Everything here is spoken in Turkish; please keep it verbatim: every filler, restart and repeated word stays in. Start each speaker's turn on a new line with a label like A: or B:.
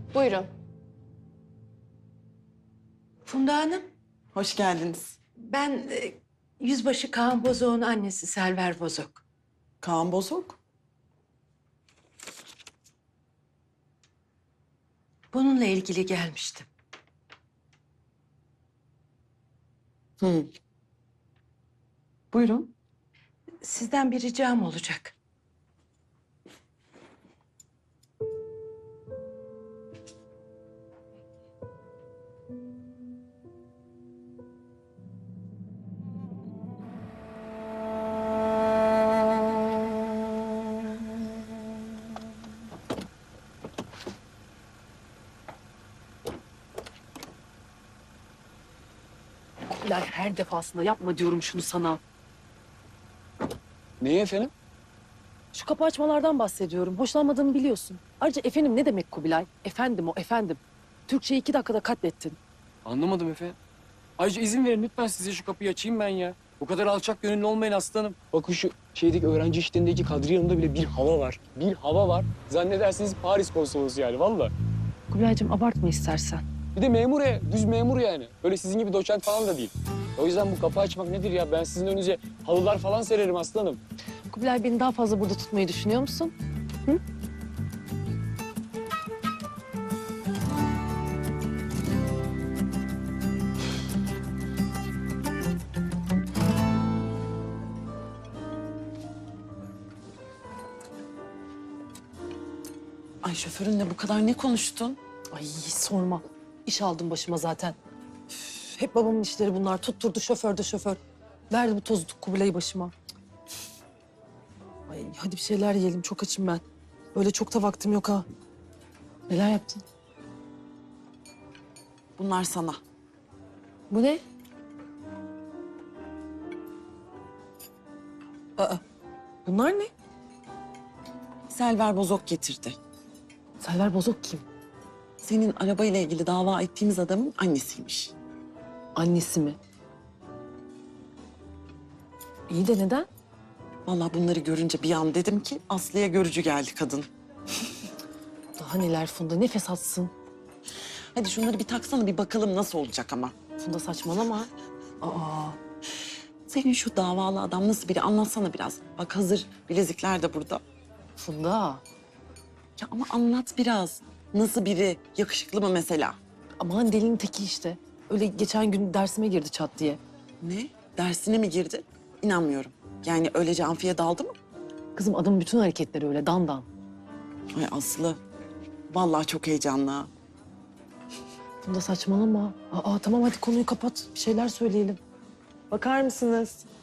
A: Buyurun.
B: Funda Hanım,
C: Hoş geldiniz.
B: ben e, Yüzbaşı Kaan Bozok'un annesi Selver Bozok.
C: Kaan Bozok.
B: Bununla ilgili gelmiştim.
C: Hı. Buyurun.
B: Sizden bir ricam olacak.
D: Bilal, her defasında yapma diyorum şunu sana.
E: Neyi efendim?
D: Şu kapı açmalardan bahsediyorum. Hoşlanmadığımı biliyorsun. Ayrıca efendim ne demek Kubilay? Efendim o, efendim. Türkçeyi iki dakikada katlettin.
E: Anlamadım efendim. Ayrıca izin verin lütfen size şu kapıyı açayım ben ya. Bu kadar alçak gönüllü olmayın aslanım. Bakın şu şeydeki öğrenci işlerindeki Kadriye Hanım'da bile bir hava var. Bir hava var. Zannedersiniz Paris konsolosu yani vallahi.
D: Kubilaycığım abartma istersen.
E: Bir de memur ya, düz memur yani. Böyle sizin gibi doçent falan da değil. O yüzden bu kapı açmak nedir ya? Ben sizin önünüze halılar falan sererim aslanım.
D: Kubilay, beni daha fazla burada tutmayı düşünüyor musun? Hı?
C: Ay şoförünle bu kadar ne konuştun?
D: Ay sorma. İş aldım başıma zaten. Üf, hep babamın işleri bunlar. Tutturdu şoför de şoför. Verdi bu tozu Kubilay'ı başıma. Ay hadi bir şeyler yiyelim. Çok açım ben. Böyle çok da vaktim yok ha. Neler yaptın?
C: Bunlar sana.
D: Bu ne? Aa, bunlar ne?
C: Selver Bozok getirdi.
D: Selver Bozok kim?
C: Senin arabayla ilgili dava ettiğimiz adamın annesiymiş.
D: Annesi mi? İyi de neden?
C: Vallahi bunları görünce bir an dedim ki Aslı'ya görücü geldi kadın.
D: Daha neler Funda, ne fesatsın.
C: Hadi şunları bir taksana bir bakalım nasıl olacak ama.
D: Funda saçmalama. Aa,
C: Senin şu davalı adam nasıl biri anlatsana biraz. Bak hazır bilezikler de burada.
D: Funda.
C: Ya ama anlat biraz. Nasıl biri? Yakışıklı mı mesela?
D: Aman delinin teki işte. Öyle geçen gün dersime girdi çat diye.
C: Ne? Dersine mi girdi? İnanmıyorum. Yani öylece amfiye daldı mı?
D: Kızım adamın bütün hareketleri öyle dandan.
C: Ay Aslı. Vallahi çok heyecanlı. ha.
D: Funda saçmalama. Aa tamam hadi konuyu kapat. Bir şeyler söyleyelim. Bakar mısınız?